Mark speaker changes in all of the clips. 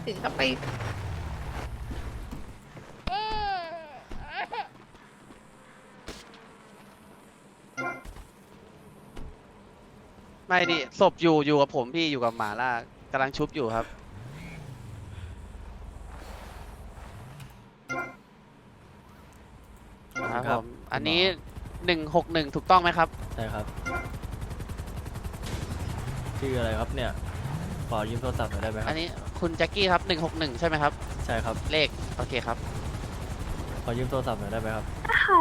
Speaker 1: ถึงกับไป
Speaker 2: ไม่ดิศพอยู่กับผมพี่อยู่กับหมาล่ากำลังชุบอยู่ครับครับผมอันนี้161ถูกต้องไหมครับ
Speaker 3: ใช่ครับชื่ออะไรครับเนี่ยขอยืมโทรศัพท์หน่อยได้ไหมค
Speaker 2: อั
Speaker 3: รับ
Speaker 2: นนี้คุณแจ็คกี้ครับ161ใช่ไหมครับ
Speaker 3: ใช่ครับ
Speaker 2: เลขโอเคครับ
Speaker 3: ขอยืมโทรศัพท์หน่อยได้ไหมครับ
Speaker 1: ค่ะ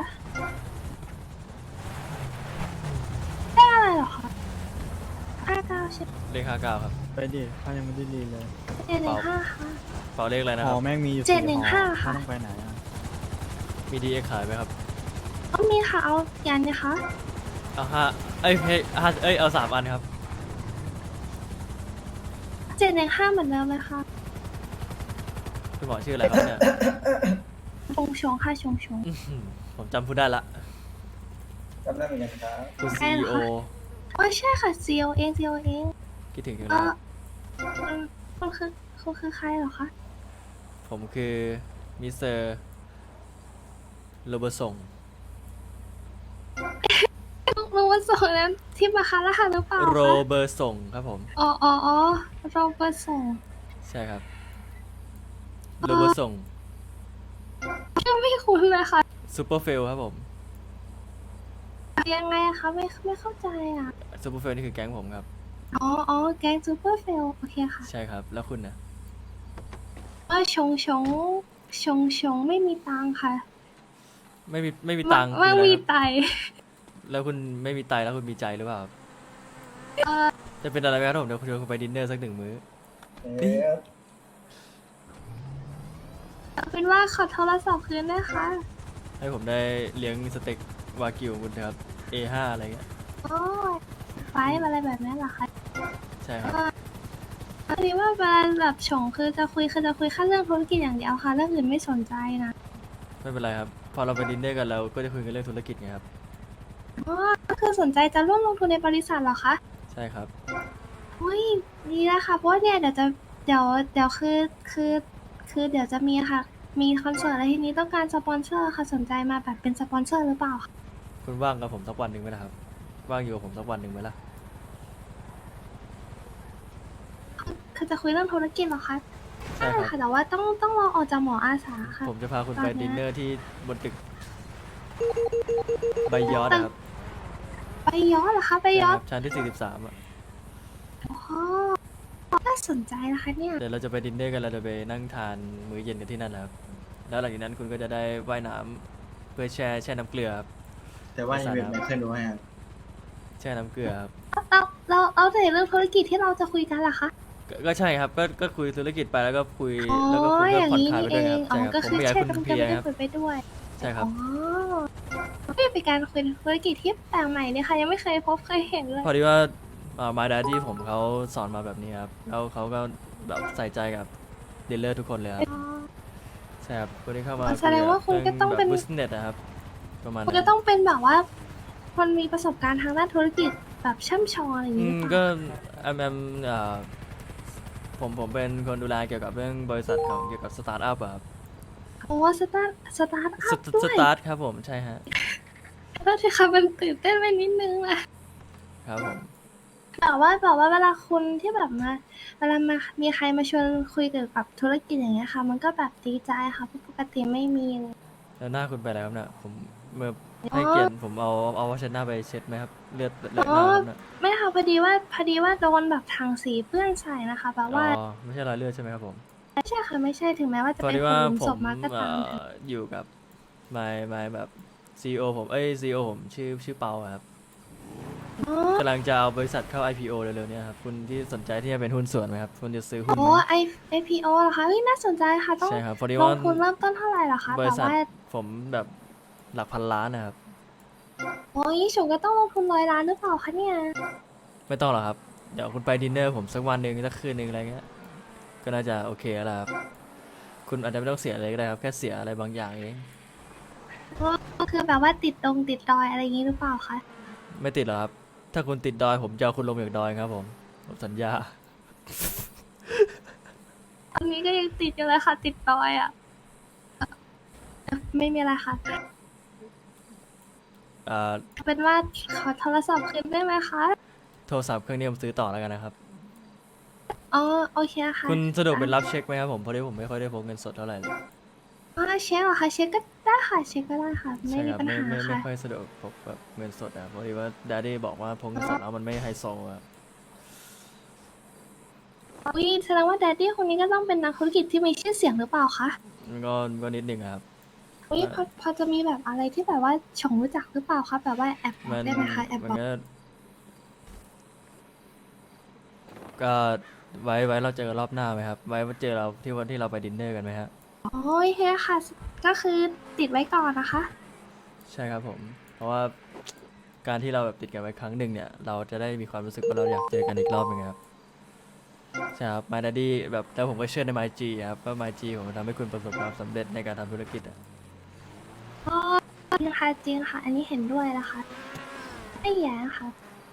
Speaker 1: ได้อะไรเหรอคะ59ใช่ไหม
Speaker 3: เลข59ครับ
Speaker 4: ไปดิข้ายังไม่ได้รีเลย
Speaker 1: 715ค่ะ
Speaker 3: เปล่าเลขอะไรนะ
Speaker 4: ห
Speaker 3: ค
Speaker 4: อ
Speaker 3: รับ
Speaker 4: แม่งมีอยู่
Speaker 1: 715
Speaker 4: 4หอ
Speaker 1: ค่ะ
Speaker 4: ข้าต้องไปไหนอ่ะ
Speaker 3: มีดีเอ็กขายไหมครับ
Speaker 1: เอามีค่ะเอายันนะคะ
Speaker 3: เอาห้าเอ้ยห้าเอ้ยเอา3 อันครับ
Speaker 1: 715เหมือนเดิมเลยค่ะ
Speaker 3: คุณหมอชื่ออะไรครับเนี่ย
Speaker 1: ชงชงค่ะชงชง
Speaker 3: อื้อหือผมจำพูดได้ละ
Speaker 5: จำได้เหมือนกันครับ
Speaker 3: คุณ
Speaker 1: ใช่เหรอ
Speaker 3: CEO
Speaker 1: คะ โอ้ยใช่ค่ะซีโอเองซีโอเอง
Speaker 3: คิดถึงจัง
Speaker 1: เอ
Speaker 3: เลย
Speaker 1: อ
Speaker 3: ครับ
Speaker 1: คุณคือใครเหรอคะ
Speaker 3: ผมคือมิสเตอร์โรเบอร์สง
Speaker 1: รู้ว่าส่งนั้นที่มาคาร่าหรือเปล่า
Speaker 3: โร
Speaker 1: คะ
Speaker 3: เบอร์สงครับผม
Speaker 1: อ๋อโรเบิร์ตส่ง
Speaker 3: ใช่ครับโรเบอร์สง
Speaker 1: ชื่อไม่คุ้นเลยค่ะ
Speaker 3: ซูเปอร์เฟลครับผม
Speaker 1: ยังไงอะคะไม่เข้าใจอะ
Speaker 3: ซูเปอร์เฟลนี่คือแก๊งผมครับ
Speaker 1: แก๊งซูเปอร์เฟลโอเคค่ะ
Speaker 3: ใช่ครับ แล้วคุณนะ
Speaker 1: ชงไม่มีตังค์ค่ะ
Speaker 3: ไม่มีตังค์คือ
Speaker 1: ไม่
Speaker 3: อะไร
Speaker 1: มี
Speaker 3: ครับ
Speaker 1: ไต
Speaker 3: แล้วคุณไม่มีไตแล้วคุณมีใจหรือเปล่าครับ
Speaker 1: เอ่อ
Speaker 3: จะเป็นอะไรไหมครับผมเดี๋ยวคุณชวนคุณไปดินเนอร์สัก1 มื้อ
Speaker 5: เอ๊ะ
Speaker 1: เอาเป็นว่าขอโทรศัพท์คืนได้ค่ะ
Speaker 3: ให้ผมได้เลี้ยงสเต็กวากิวคุณนะครับ A5 อะไรเงี้ย
Speaker 1: โอ้ยไฟท์อะไรแบบนี้เหรอคะ
Speaker 3: ใช่ครับ
Speaker 1: พอดีว่าเวลาแบบชงคือจะคุยแค่เรื่องธุรกิจอย่างเดียวค่ะเรื่องอื่นไม่สนใจนะ
Speaker 3: ไม่เป็นไรครับ พอเราไปดินเนอร์กันเราก็จะคุยกันเรื่องธุรกิจไงครับ
Speaker 1: อ๋อก็คือสนใจจะร่วมลงทุนในบริษัทเหรอคะ
Speaker 3: ใช่ครับ
Speaker 1: อุ้ยดีแล้วค่ะเพราะว่าเนี่ยเดี๋ยวคือเดี๋ยวจะมีค่ะ มีคอนเสิร์ตอะไรทีนี้ต้องการสปอนเซอร์ค่ะสนใจมาแบบเป็นสปอนเซอร์หรือเปล่าคะ
Speaker 3: คุณว่างกับผมสักวันหนึ่งไหมล่ะครับ ว่างอยู่กับผมสักวันหนึ่งไหมล่ะ
Speaker 1: คือจะคุยเรื่องธุรกิจเหรอคะ
Speaker 3: ใช่ครับ
Speaker 1: ค่ะแต่ว่าต้องรอออกจากหมออาสาค่ะ
Speaker 3: ผมจะพาคุณ
Speaker 1: ตอน
Speaker 3: ไป
Speaker 1: เนี้ย
Speaker 3: ดินเนอร์ที่บนตึกใบยอดนะครับ
Speaker 1: ไปย้อนเหรอคะไป
Speaker 3: ใช่
Speaker 1: ย้อ
Speaker 3: คน รับชั้นที่43อ่ะ
Speaker 1: อ๋อน่าสนใจนะคะเนี่ย
Speaker 3: เดี๋ยวเราจะไปดินเนอร์กันเราจะไปนั่งทานมื้อเย็นกันที่นั่นนะครับ แล้วหลังจากนั้นคุณก็จะได้ว่ายน้ำเพื่อแช่น้ำเกลือครับ
Speaker 5: แต่ว่ายังเป็นไม่เคยรู้ครับ
Speaker 3: แช่น้ำเกลือครับ
Speaker 1: เราแต่เรื่องธุรกิจที่เราจะคุยกันล่ะคะ
Speaker 3: ก็ใช่ครับ ก็คุยธุรกิจไปแล้วก็คุย
Speaker 1: อ๋อ
Speaker 3: แล้วก็คุณ
Speaker 1: อ
Speaker 3: ก็
Speaker 1: ย่าง
Speaker 3: ผ่อน
Speaker 1: นี้
Speaker 3: คลายไป
Speaker 1: นี่
Speaker 3: ด้
Speaker 1: เอ
Speaker 3: วยครับ
Speaker 1: ง
Speaker 3: ใช่ครับ
Speaker 1: ก็
Speaker 3: ผม
Speaker 1: คือ
Speaker 3: ไม่อยาก
Speaker 1: ใช่
Speaker 3: ให้คุณ
Speaker 1: กำ
Speaker 3: เพลีย
Speaker 1: ลัง
Speaker 3: ครับ
Speaker 1: คุยไปด้วย
Speaker 3: ใช่ครับ
Speaker 1: อ๋อไม่เป็นการคุยธุรกิจที่แปลกใหม่เนี่ยค่ะ ยังไม่เคยพบเคยเห็นเลย
Speaker 3: พอดีว่ามาดาที่ผมเขาสอนมาแบบนี้ครับแล้วเขาก็แบบใส่ใจกับดีลเลอร์ทุกคนเลยครับ
Speaker 1: อ๋อ
Speaker 3: ใช่ครับคนที่เข้ามา
Speaker 1: แสดงว่าคุณก็ต้องเป็น
Speaker 3: บิสเนสนะครับประมาณ
Speaker 1: คุณ
Speaker 3: นั้
Speaker 1: จะ
Speaker 3: น
Speaker 1: ต้องเป็นแบบว่า คนมีประสบการณ์ทางด้านธุรกิจแบบช่ำชองอะไรอย่าง
Speaker 3: อื
Speaker 1: นี้
Speaker 3: ม
Speaker 1: หรือเป
Speaker 3: ก็
Speaker 1: ล่า
Speaker 3: ผมเป็นคนดูแลเกี่ยวกับเรื่องบริษัทของเกี่ยวกับสตาร์ทอัพอะครับ
Speaker 1: โอ้สตาร์ทอัพด้
Speaker 3: ส
Speaker 1: วย
Speaker 3: ตาร์ทครับผมใช่ฮะ
Speaker 1: ก็ที่ค่ะมันตื่นเต้นไปนิดนึงแหละ
Speaker 3: ครับผม
Speaker 1: แบบว่าเวลาคุณที่แบบมาเวลามามีใครมาชวนคุยเกี่ยวกับธุรกิจอย่างเงี้ยค่ะ มันก็แบบดีใจค่ะเพราะปกติไม่มีเลย
Speaker 3: แล้วหน้าคุณไปแล้วครับเนี่ยผมเมื่อให้เกียรติผมเอาวัชนะไปเช็ดไหมครับเลือดหน้าครับเนี่ย
Speaker 1: ไม่ค่ะพอดีว่าโดนแบบถังสีเปื้อนใส่นะคะแบบว่า
Speaker 3: อ๋อไม่ใช่รอยเลือดใช่ไหมครับผม
Speaker 1: ไม่ใช่ค่ะไม่ใช่ถึงแม้ว่าจะ
Speaker 3: พอ
Speaker 1: เป็น
Speaker 3: ดี
Speaker 1: ค
Speaker 3: ว่าน
Speaker 1: หลุม
Speaker 3: ผ
Speaker 1: ศ
Speaker 3: ม
Speaker 1: พมาก็ตาม
Speaker 3: อยู่กับmy แบบซีอผมซีอผมชื่อเปาอะครับ
Speaker 1: อ๋อก
Speaker 3: ำลังจะเอาบริษัทเข้า IPO เร็วๆเนี้ครับคุณที่สนใจที่จะเป็นหุ้นส่วนไหมครับคุณจะซื้อหุ้น
Speaker 1: โอ้
Speaker 3: ไหม
Speaker 1: IPO เหรอคะเฮ้ยน่าสนใจค่ะต้อง
Speaker 3: ใช่ครับพอดี
Speaker 1: ล
Speaker 3: ว่าง
Speaker 1: ทุนเริ่มต้นเท่าไหร่เหรอคะ
Speaker 3: บ
Speaker 1: แต่
Speaker 3: ริษัท
Speaker 1: ว่า
Speaker 3: ผมแบบหลักพันล้านนะครับ
Speaker 1: โอ้ยฉงก็ต้องลงทุน100 ล้านหรือเปล่าคะเนี่ย
Speaker 3: ไม่ต้องหรอกครับ เดี๋ยวคุณไปดินเนอร์ผมสักวันหนึ่งสักคืนหนึ่งอะไรเงี้ยก็น่าจะโอเคแล้วล่ะครับคุณอาจจะไม่ต้องเสียอะไรก็ได้ครับแค่เสียอะไรบางอย่างเอง
Speaker 1: ก็คือแบบว่าติดดอยอะไรอย่างนี้หรือเปล่าคะ
Speaker 3: ไม่ติดหรอกครับ ถ้าคุณติดดอยผมจะเอาคุณลงจากดอยครับผมสัญญา
Speaker 1: อันนี้นี้ก็ยังติดอยู่เลยค่ะ ติดดอยอ่ะไม่มีอะไรค่ะ เป็นว่าขอโทรศัพท์คืนได้ไหมคะ
Speaker 3: โทรศัพท์เครื่องนี้ผมซื้อต่อแล้วกันนะครับ
Speaker 1: อ๋อโอเคค่ะ
Speaker 3: คุณสะดวกเป็นรับเช็คไหมครับผมเพราะที่ผมไม่ค่อยได้พกเงินสดเท่าไหร่เลย
Speaker 1: อ๋อเช็คเหรอคะเช็คก็ได้ค่ะเช็คก็ได้ค่ะ ไม่
Speaker 3: ใช่
Speaker 1: มี
Speaker 3: ครับ
Speaker 1: ปัญ
Speaker 3: ไม่
Speaker 1: หา
Speaker 3: ไม่
Speaker 1: ค่ะ
Speaker 3: ค่อยสะดวกพกแบบเงินสดอะเพราะที่ว่าดดดี้บอกว่าพกเงินสดแล้วมันไม่ไฮโซอะ
Speaker 1: อุ้ยแสดงว่าแดดดี้คนนี้ก็ต้องเป็นนักธุรกิจที่มีชื่อเสียงหรือเปล่าคะ
Speaker 3: มันก็นิดนึงอะครับ
Speaker 1: อุ้ยพอจะมีแบบอะไรที่แบบว่าชงรู้จักหรือเปล่าคะแบบว่าแอบบอกได้ไหมคะแอบ
Speaker 3: มั
Speaker 1: บอก
Speaker 3: ก็ไว้เราเจอกันรอบหน้าไหมครับไว้เจอเราที่วันที่เราไปดินเนอร์กันไหมฮะ
Speaker 1: โอ้ยเฮ้ค่ะ ก็คือติดไว้ก่อนนะคะ
Speaker 3: ใช่ครับผม เพราะว่าการที่เราแบบติดกันไว้ครั้งหนึ่งเนี่ย เราจะได้มีความรู้สึกว่าเราอยากเจอกันอีกรอบหนึงครับใช่ครับ My Daddy แบบแล้วผมก็เชื่อใน MyG ครับว่า MyG ผมทำให้คุณประสบความสำเร็จในการทำธุรกิจอะ
Speaker 1: อ๋อจริงค่ะจริงค่ะ อันนี้เห็นด้วยนะคะ ไม่แย่ค่ะ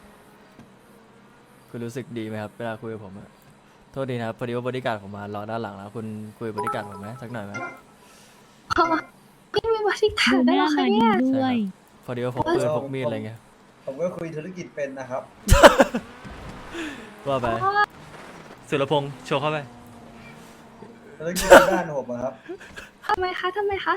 Speaker 3: คุณรู้สึกดีไหมครับเวลาคุยกับผมอะโทษดีนะครับพอดีว่าบริการดผมมารอด้านหลังแล้วคุณคุยกับบริการดผมไหมสักหน่อยไหม
Speaker 1: อ๋อไม่มีบริการด้วยเหรอคะเนี่ย
Speaker 3: ใช่ครับพอดีว่าพกปืนพกมีดอะไรเงี้ย
Speaker 5: ผมก็คุยธุรกิจเป็นนะครับ
Speaker 3: ว่าไปสุรพงษ์โชว์เข้าไป
Speaker 5: ธุรกิจด้านผมอะครับ
Speaker 1: ทำไมคะทำไมคะ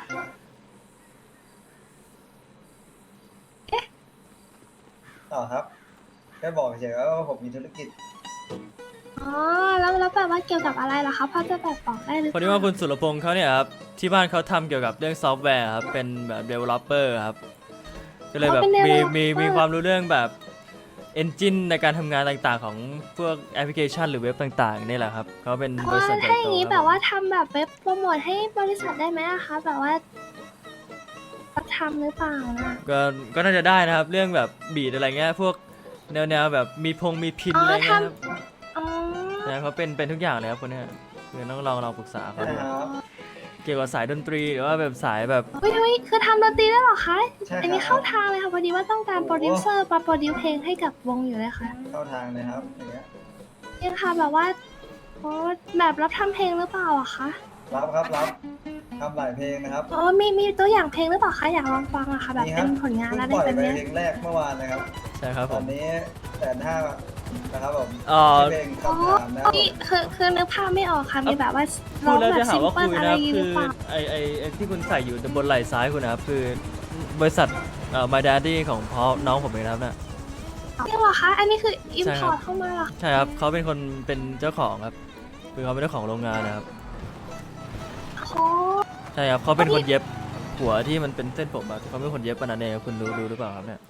Speaker 5: ต่อครับแค่บอกเฉยๆว่าผมมีธุรกิจ
Speaker 1: อ๋อแล้วแบบว่าเกี่ยวกับอะไรเหรอคะพอจะแบบบอกได้หรือเป
Speaker 3: พอ
Speaker 1: ล่า
Speaker 3: ดีว่าคุณสุรพงษ์เขาเนี่ยครับที่บ้านเขาทำเกี่ยวกับเรื่องซอฟต์แวร์ครับเป็นแบบ developer ครับก็เลยแบบมีความรู้เรื่องแบบ engine ในการทำงานต่างๆ ของพวกแอปพลิเคชันหรือเว็บต่างๆนี่แหละครับเขาเป็นบริษัทใหญ่
Speaker 1: ถ้าอ
Speaker 3: โต
Speaker 1: ย่างนี้
Speaker 3: ค
Speaker 1: แบ
Speaker 3: รับบ
Speaker 1: ว่าทำแบบเว็บโปรโมทให้บริษัทได้ไหมอะคะแบบว่าทำหรือเปล่านะ
Speaker 3: ก็น่าจะได้นะครับ เรื่องแบบบีดอะไรเงี้ยพวกแนวแบบมีพินอะไรเงี้ยครับ
Speaker 1: อ๋อ
Speaker 3: นะเขาเป็นทุกอย่างเลยครับคนเนี้ยคือต้องลองปรึกษาเขาดู
Speaker 5: นะครับ
Speaker 3: เกี่ยวกับสายดนตรีหรือว่าแบบสายแบบ
Speaker 1: เฮ้ยคือทำดนตรีได้เหรอคะ
Speaker 5: ใช่ครับ
Speaker 1: อันนี้เข้าทางเลยค่ะพอดีว่าต้องการโปรดิวเซอร์มาโปรดิวเพลงให้กับวงอยู่เลยค่ะ
Speaker 5: เข้าทางเลยครับอย่างเงี้ย
Speaker 1: เนี่ยค่ะแบบว่าโอ้แบบรับทำเพลงหรือเปล่าอะคะ
Speaker 5: รับครับรับทำหลายเพลงนะครับ
Speaker 1: อ๋อมีตัวอย่างเพลงหรือเปล่าคะอยากลองฟังอะค่ะแบบ
Speaker 5: นี่ค
Speaker 1: เป็
Speaker 5: รับ
Speaker 1: นผลงาน
Speaker 5: เพิ่
Speaker 1: แล้ว
Speaker 5: ง
Speaker 1: ได้
Speaker 5: ปล่อย
Speaker 1: แบบ
Speaker 5: ไป
Speaker 1: เนี้ย
Speaker 5: เพลงแรกเมื่อวานนะครับ
Speaker 3: ใช่ครับผ
Speaker 5: ตอ
Speaker 3: ม
Speaker 5: นนี้150,000นะครับผม
Speaker 3: อ๋อ
Speaker 5: เพลง
Speaker 1: อ๋อ
Speaker 5: คำถามนะครับ
Speaker 1: นี่คือนึกภาพไม่ออกค่ะ มีแบบว่า
Speaker 3: พู
Speaker 1: ร้อ
Speaker 3: ด
Speaker 1: ง
Speaker 3: แล้ว
Speaker 1: แบ
Speaker 3: จะ
Speaker 1: บ
Speaker 3: หา
Speaker 1: ซิม
Speaker 3: ว่า
Speaker 1: เปิล
Speaker 3: คุย
Speaker 1: อะไร
Speaker 3: นะ
Speaker 1: อย่างงี้
Speaker 3: คื
Speaker 1: หรือ
Speaker 3: อ
Speaker 1: เปล่า
Speaker 3: ไอที่คุณใส่อยู่บนไหล่ซ้ายคุณนะครับคือบริษัทMy Daddy ของพ่อน้องผมเองนะครับเนี่ย
Speaker 1: จริงเหรอคะ อันนี้คืออิม
Speaker 3: ใช่
Speaker 1: พ
Speaker 3: ครั
Speaker 1: อบ ร์ตเข้ามาเหรอ
Speaker 3: ใช่ครับเขาเป็นคนเป็นเจ้าของครับคือเขาเป็นเจ้าของโรงงานนะครับ
Speaker 1: โอ้
Speaker 3: ใช่ครับเขาเป็นคนเย็บหัวที่มันเป็นเส้นผมอะเขาเป็นคนเย็บปะนันเองครับคุณรู้หรือเปล่าครับเนี่ย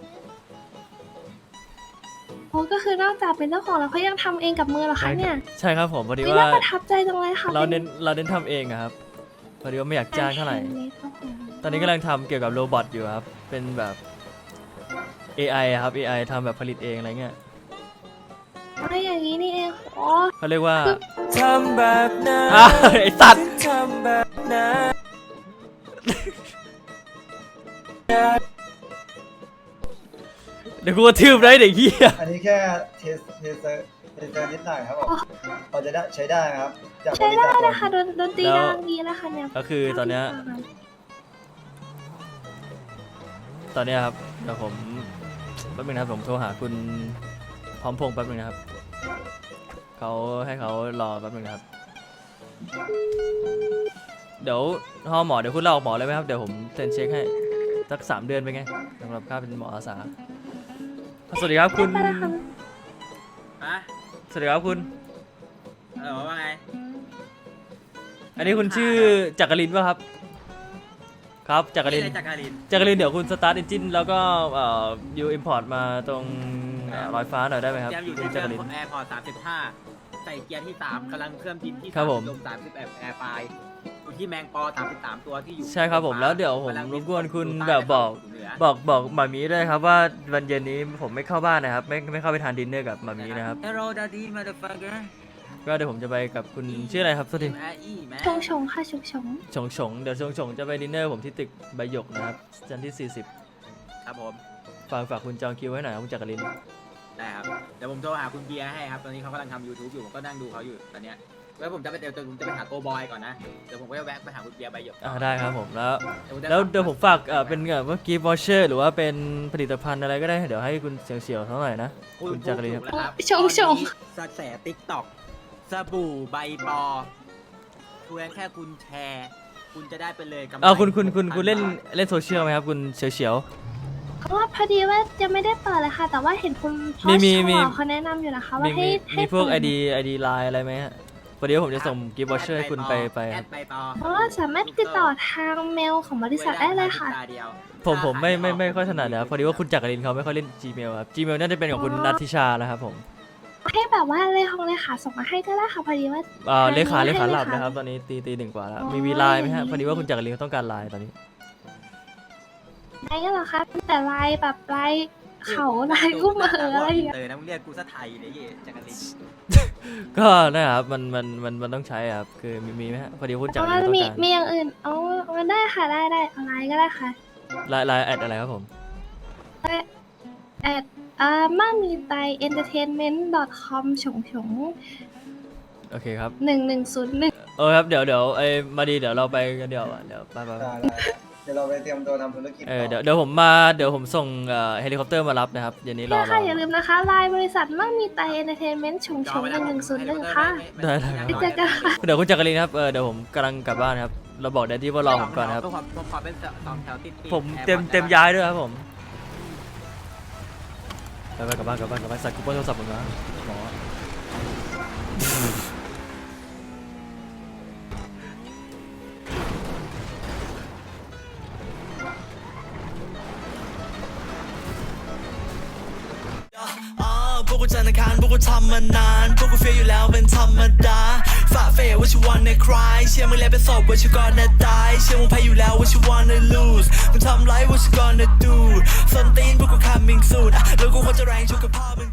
Speaker 1: โหก็คือนอกจากเป็นเจ้าของแล้วเขายังทำเองกับมือเหรอคะเนี่ย
Speaker 3: ใช่ครับผมพอดี
Speaker 1: เฮ้ย
Speaker 3: ว่า
Speaker 1: น่าประทับใจจังเลยค่ะ
Speaker 3: เราเน้นทำเองอะครับพอดีว่าไม่อยากจ้างเท่าไหร่ ตอนนี้กำลังทำเกี่ยวกับโรบอทอยู่ครับ เป็นแบบ AI อะครับ AI ทำแบบผลิตเองอะไรเงี้ย
Speaker 1: อะไรอย่างนี้นี่เองโอ้
Speaker 3: เขาเรียกว่า
Speaker 4: ทำแบบนั้น
Speaker 3: ไอสัตว์
Speaker 4: ทำแบบนั้น
Speaker 3: เดี๋ยวกูกระทืบได้เด็กเหี้ย
Speaker 5: อันนี้แค่เทสนิดหน่อยครับผมพอจะได้ใช้ได้นะครับจากบ
Speaker 1: ใช้
Speaker 5: ริ
Speaker 1: ได้
Speaker 5: ษัท
Speaker 1: นะคะดนตรีดังดีนะคะเนี่ย
Speaker 3: ก็คือตอนเนี้ยครับเดี๋ยวผมแป๊บนึงนะครับผมโทรหาคุณพร้อมพงษ์แป๊บนึงนะครับเขาให้เขารอแป๊บนึงนะครับ เดี๋ยวฮอหมอเดี๋ยวคุณลาออกหมอเลยไหมครับเดี๋ยวผมเซ็นเช็คให้สัก3 เดือนไปนไงสำหรับค่าเป็นหมออาสาสวัสดีครับคุณ
Speaker 1: ไปแล้วค่ะ
Speaker 4: ฮะ
Speaker 3: สวัสดีครับคุณ
Speaker 4: ว่าไง
Speaker 3: อันนี้คุณชื่อจักรินป่ะครับครับจักริน
Speaker 4: จักริน
Speaker 3: จักรินเดี๋ยวคุณสตาร์ทเอนจินแล้วก็ยูอิมพอร์ตมาตรงลอยฟ้าหน่อยได้ไหมครับ
Speaker 4: เตรียมอยู่
Speaker 3: คุ
Speaker 4: ที่
Speaker 3: ณ
Speaker 4: เจ
Speaker 3: จัก
Speaker 4: อ
Speaker 3: ริน
Speaker 4: แอร์พอร์ต35 ใส่เกียร์ที่ 3กำลังเคลื่อนบินที่
Speaker 3: ครับผม
Speaker 4: ลม31แอร์ไฟอยู่ที่แมงปอ33ตัวที่อยู่
Speaker 3: ใช่ครับผมแล้วเดี๋ยวผม
Speaker 4: กำลัง
Speaker 3: รบกวนคุณ
Speaker 4: สู่
Speaker 3: แบบบอก
Speaker 4: เหนือ
Speaker 3: บอกหมามีด้วยครับว่าวันเย็นนี้ผมไม่เข้าบ้านนะครับไม่เข้าไปทานดินเนอร์กับหมามีนะครับ
Speaker 4: Hello Daddy motherfucker
Speaker 3: ก็เดี๋ยวผมจะไปกับคุณชื่ออะไรครับสวัสดี
Speaker 4: แอร์อีแม่
Speaker 1: ชงค่ะชง
Speaker 3: ฉงเดี๋ยวฉงจะไปดินเนอร์ผมที่ตึกใบหยกนะครับจันทร์ที่
Speaker 4: ครับผม
Speaker 3: 40ฝากคุณจองคิวไว้หน่อยครับคุณจักริน
Speaker 4: ได้ครับเดี๋ยวผมโทรหาคุณเบียร์ให้ครับตอนนี้เขากำลังทำ YouTube อยู่ผมก็นั่งดูเขาอยู่ตอนเนี้ยแล้วผมจะไปเดี๋ยวผมจะไปหาโกบอยก่อนนะเดี๋ยวผมก็จะแวะไปหาคุณเบียร์ใบหยก
Speaker 3: ได้ครับผมแล้ว
Speaker 4: จะ
Speaker 3: แล้วเดี๋ยวผมฝากเป็นแบบว่ากิฟต์วอเชอร์หรือว่าเป็นผลิตภัณฑ์อะไรก็ได้เดี๋ยวให้คุณเฉียวๆเท่าไหร่นะคุณจักรีครับ
Speaker 4: นะครับ
Speaker 1: ชง
Speaker 4: ตอนนี้กระแสติ๊กต็อกสบู่ใบปอเพียงแค่คุณแชร์คุณจะได้ไปเลยกำไร
Speaker 3: คุณเล่นโซเชียลไหมครับคุณเฉียว
Speaker 1: เพราะว่าพอดีว่ายังไม่ได้เปิดเลยค่ะ แต่ว่าเห็นคุณพ่อ
Speaker 3: มี
Speaker 1: ชอเขาแนะนำอยู่นะคะ
Speaker 3: ๆ
Speaker 1: ว่าให้
Speaker 3: มีพวก
Speaker 1: เปิด
Speaker 3: ID ไลน์อะไรไหมฮะพอดีว่าผมจะส่งกิฟต์วอเชอร์ให้คุณไปค
Speaker 4: แอ
Speaker 3: รับ
Speaker 4: ดใบปอ
Speaker 1: เพราะว่าสามารถติดต่อทางเมลของบริษัทได้เลยค่ะ
Speaker 4: เดียว
Speaker 3: ผมไม่ค่อยถนัดนะครับพอดีว่าคุณจักรินเขาไม่ค่อยเล่น Gmail ครับ Gmail น่าจะเป็นของคุณนัทธิชาแล้วครับผม
Speaker 1: ให้แบบว่าเลขาส่งมาให้ก็ได้ค่ะพอดีว่า
Speaker 3: เลขา
Speaker 1: ให้
Speaker 3: หลับนะครับตอนนี้ตีหนึ่งกว่าแล้ว
Speaker 1: อ๋อ
Speaker 3: มีไลน์ไหมฮะพอดีว่าคุณจักรินเขาต้องการไลน์ตอนนี้
Speaker 1: ได้ก็เหรอคะแต่ลายแบบลายเขาลายกุ้งเหมออะไรอย่างเงี้ย
Speaker 4: เตอนะมึงเรียกกูซะไทยเลยเย่จักริน
Speaker 3: ก็นะครับมันต้องใช้ครับคือมีไหมฮะพอดีคุณจัก
Speaker 1: เอา
Speaker 3: รินต้อง
Speaker 1: มี
Speaker 3: การ
Speaker 1: อย่างอื่นเอาได้ค่ะได้เอาลายก็ได้ค่ะ
Speaker 3: ไลน์แอดอะไรครับผม
Speaker 1: แอดมั่งมีไต entertainment.com ฉง
Speaker 3: โอเคครับ
Speaker 1: 1101
Speaker 3: ครับเดี๋ยวมาดีเดี๋ยวเราไปกันเดี๋ยวอ่ะเดี๋ยวไป
Speaker 5: ได้เดี๋ยวเราไปเตรียมตัวทำธุรกิจ
Speaker 3: เดี๋ยวผมส่งเฮลิคอปเตอร์มารับนะครับเดี๋ยวนี้รอ
Speaker 1: เนี่ยค่ะอย่าลืมนะคะลายบริษัทมั่งมีไต entertainment ฉง1101ค่ะ
Speaker 3: ได้
Speaker 1: ไปเจอกันค่ะ
Speaker 3: เดี๋ยวคุณจักรินครับเดี๋ยวผมกำลังกลับบ้านครับเราบอกแดดดี้ว่ารอผมก่อนครับ
Speaker 4: เพื่อความเป็นสองแถวติดๆ
Speaker 3: ผม
Speaker 4: แอร์
Speaker 3: เต็ม
Speaker 4: พอร์ต
Speaker 3: ย้ายด้วยครับผมไปกลับบ้านใส่คูปองโทรศัพท์ผมนะหมอพวกกูจันทร์อังคารพวกกูทำมานานพวกกูเฟียอยู่แล้วเป็นธรรมดาฝ่าเฟยว่าชิวันในคลายเชื่อมึงแล้วเป็นศพว่าชิวก่อนนะตายเชื่อมึงแพ้อยู่แล้วว่าชิวันใน lose มึงทำไรว่าชิ gonna do ส้นตีนพวกกู coming soon แล้วกูควรจะแรงชุกกับพ่อมึง